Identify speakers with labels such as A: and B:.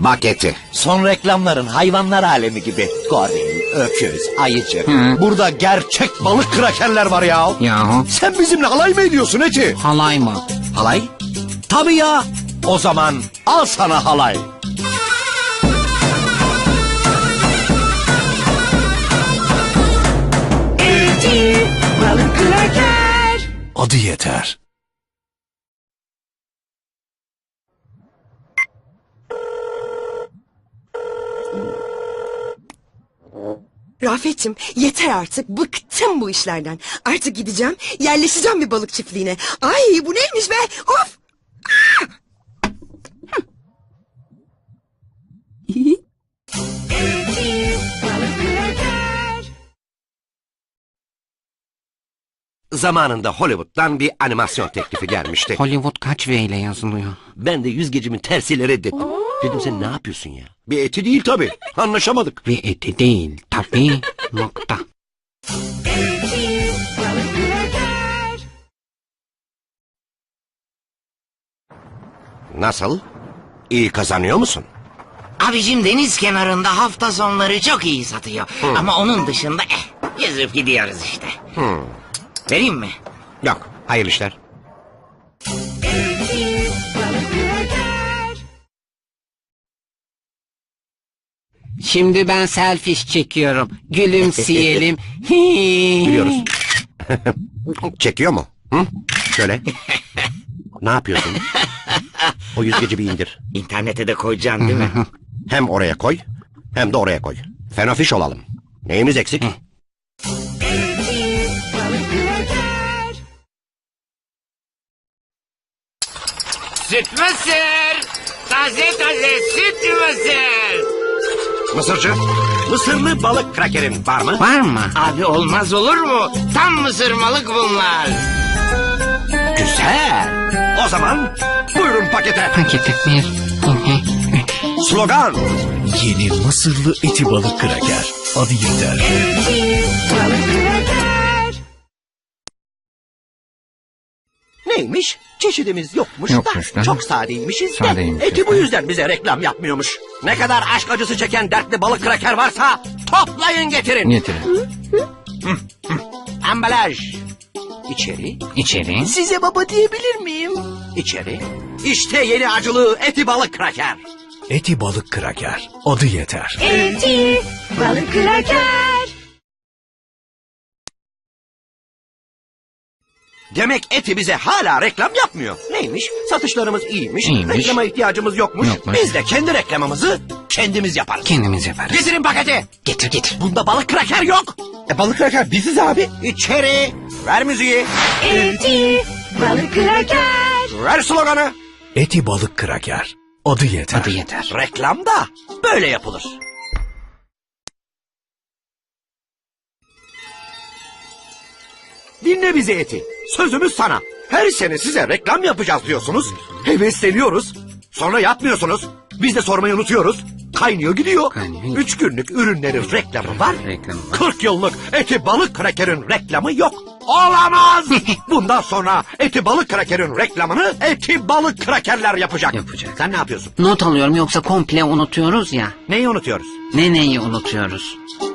A: Bak eti.
B: Son reklamların hayvanlar alemi gibi. Goril, öküz, ayıcık. Burada gerçek balık krakerler var ya.
C: Yahu.
B: Sen bizimle alay mı ediyorsun eti?
C: Halay mı?
B: Halay? Tabii ya. O zaman al sana halay.
D: Eti balık kraker.
E: Adı yeter.
D: Rafet'cim yeter artık, bıktım bu işlerden. Artık gideceğim, yerleşeceğim bir balık çiftliğine. Ay bu neymiş be, of!
A: Zamanında Hollywood'dan bir animasyon teklifi gelmişti.
C: Hollywood kaç V ile yazılıyor?
A: Ben de yüzgecimin tersiyle reddettim. Dedim sen ne yapıyorsun ya? Bir eti değil tabii. Anlaşamadık.
C: Ve eti değil tabii. Nokta.
A: Nasıl? İyi kazanıyor musun?
F: Abicim deniz kenarında hafta sonları çok iyi satıyor. Ama onun dışında yüzüp gidiyoruz işte. Vereyim mi?
A: Yok. Hayırlı işler.
C: Şimdi ben selfish çekiyorum. Gülümseyelim.
A: Biliyoruz. Çekiyor mu? Hı? Şöyle. Ne yapıyorsun? O yüzgeci bir indir.
F: İnternete de koyacaksın değil mi?
A: Hem oraya koy hem de oraya koy. Fenofiş olalım. Neyimiz eksik?
F: Süt mısır! Taze taze süt mısır!
A: Mısırcı, mısırlı balık krakerin var mı?
C: Var mı?
F: Abi olmaz olur mu? Tam mısırmalık bunlar.
A: Güzel. O zaman buyurun pakete.
C: Paketi bir.
A: Slogan.
E: Yeni Mısırlı eti balık kraker. Adı yeter.
A: Neymiş? Çeşidimiz yokmuş,
C: Yokmuş
A: da
C: da.
A: çok sadeymişiz de.
C: Sadeymişiz
A: Eti bu
C: de.
A: yüzden bize reklam yapmıyormuş. Ne kadar aşk acısı çeken dertli balık kraker varsa toplayın getirin.
C: Getirin.
A: Ambalaj. İçeri.
C: İçeri.
A: Size baba diyebilir miyim? İçeri. İşte yeni acılı eti balık kraker.
E: Eti balık kraker. Adı yeter.
D: Eti balık kraker.
A: Demek eti bize hala reklam yapmıyor. Neymiş? Satışlarımız iyiymiş.
C: İyiymiş.
A: Reklama ihtiyacımız yokmuş.
C: Yokmuş.
A: Biz de kendi reklamımızı kendimiz yaparız.
C: Kendimiz yaparız.
A: Getirin paketi.
C: Getir getir.
A: Bunda balık kraker yok. Balık kraker biziz abi. İçeri. Ver müziği.
D: Eti balık kraker.
A: Ver sloganı.
E: Eti balık kraker. Adı yeter.
C: Adı yeter.
A: Reklam da böyle yapılır. Dinle bizi eti. Sözümüz sana. Her sene size reklam yapacağız diyorsunuz. Hevesleniyoruz. Sonra yapmıyorsunuz. Biz de sormayı unutuyoruz. Kaynıyor gidiyor.
C: Kaynıyor gidiyor.
A: 3 günlük ürünlerin reklamı var.
C: Reklamı var.
A: 40 yıllık eti balık krakerin reklamı yok. Olamaz. Bundan sonra eti balık krakerin reklamını eti balık krakerler yapacak.
C: Yapacak.
A: Sen ne yapıyorsun?
C: Not alıyorum yoksa komple unutuyoruz ya.
A: Neyi unutuyoruz?
C: Neyi unutuyoruz?